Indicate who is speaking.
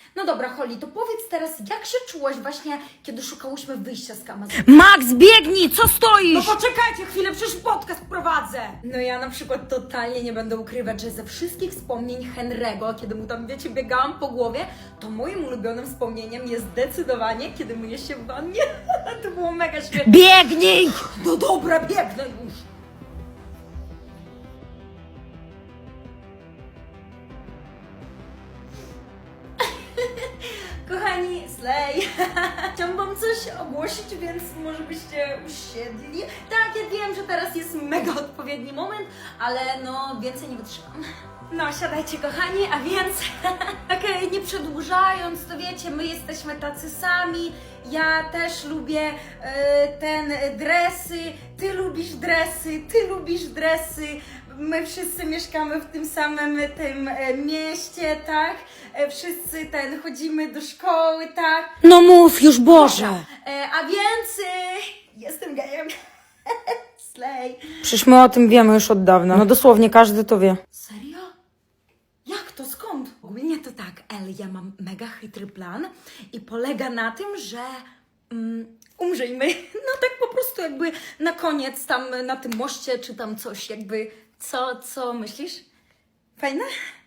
Speaker 1: No dobra, Holly, to powiedz teraz, jak się czułaś właśnie, kiedy szukałyśmy wyjścia z Amazonu?
Speaker 2: Max, biegnij, co
Speaker 1: No
Speaker 2: stoisz?
Speaker 1: poczekajcie chwilę, przecież podcast prowadzę! No ja na przykład totalnie nie będę ukrywać, że ze wszystkich wspomnień Henry'ego, kiedy mu tam, wiecie, biegałam po głowie, to moim ulubionym wspomnieniem jest zdecydowanie, kiedy myję się w wannie. To było mega świetne.
Speaker 2: Biegnij!
Speaker 1: No dobra, biegnę już! Kochani, slay! Chciałam wam coś ogłosić, więc może byście usiedli. Tak, ja wiem, że teraz jest mega odpowiedni moment, ale no więcej nie wytrzymam. No, siadajcie kochani, a więc okej, nie przedłużając, to wiecie, my jesteśmy tacy sami. Ja też lubię dresy, ty lubisz dresy, ty lubisz dresy. My wszyscy mieszkamy w tym samym mieście, tak? Wszyscy chodzimy do szkoły, tak?
Speaker 2: No mów już, Boże!
Speaker 1: A więc jestem gejem. Slay.
Speaker 2: Przecież my o tym wiemy już od dawna. No dosłownie każdy to wie.
Speaker 1: Serio? Jak to? Skąd? Ogólnie to tak, ja mam mega chytry plan i polega na tym, że umrzyjmy. No tak po prostu jakby na koniec tam na tym moście czy tam coś jakby. Co myślisz? Fajne?